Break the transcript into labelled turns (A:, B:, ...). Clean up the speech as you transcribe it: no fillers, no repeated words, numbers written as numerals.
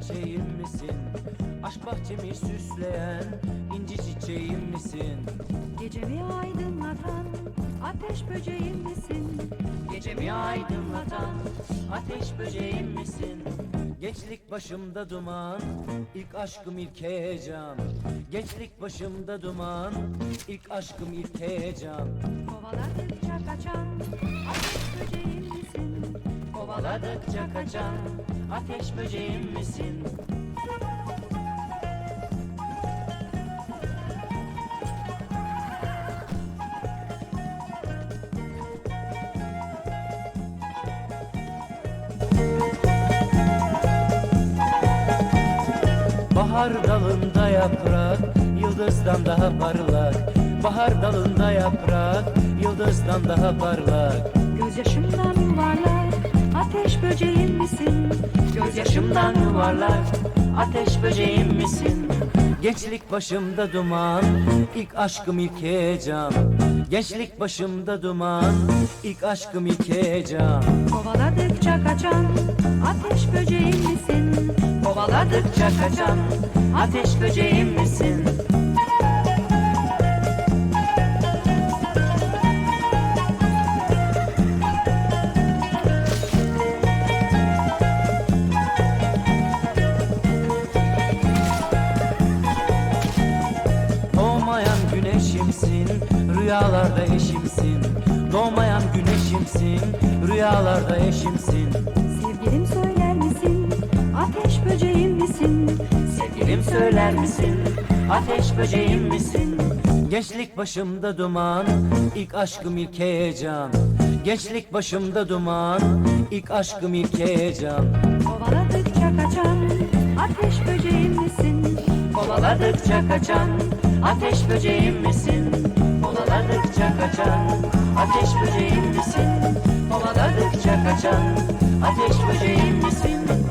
A: çiçeğim misin? Aşk bahçemi süsleyen inci çiçeğim misin?
B: Gecemi aydınlatan ateş böceğim misin?
A: Gecemi aydınlatan ateş böceğim misin? Gençlik başımda duman, ilk aşkım ilk heyecan. Gençlik başımda duman, ilk aşkım ilk heyecan.
B: Kovaladıkça kaçan ateş böceğim misin?
A: Kovaladıkça kaçan ateş böceğim misin? Bahar dalında yaprak, yıldızdan daha parlak. Bahar dalında yaprak, yıldızdan daha parlak.
B: Gözyaşımdan yuvarlak ateş böceğim misin?
A: Gözyaşımdan yuvarlak, ateş böceğim misin? Gençlik başımda duman, ilk aşkım ilk heyecan. Gençlik başımda duman, ilk aşkım ilk heyecan.
B: Kovaladıkça kaçan ateş böceğim misin?
A: Kovaladıkça kaçan ateş böceğim misin? Doğmayan güneşimsin, rüyalarda eşimsin. Doğmayan güneşimsin, rüyalarda eşimsin.
B: Sevgilim söyler misin? Ateş böceğim misin?
A: Sevgilim söyler misin? Ateş böceğim misin? Gençlik başımda duman, ilk aşkım ilk heyecan. Gençlik başımda duman, ilk aşkım ilk heyecan.
B: Kovaladıkça kaçan ateş böceğim misin?
A: Kovaladıkça kaçan ateş böceğim misin? Kovaladıkça kaçan ateş böceğim misin? Kovaladıkça kaçan ateş böceğim misin?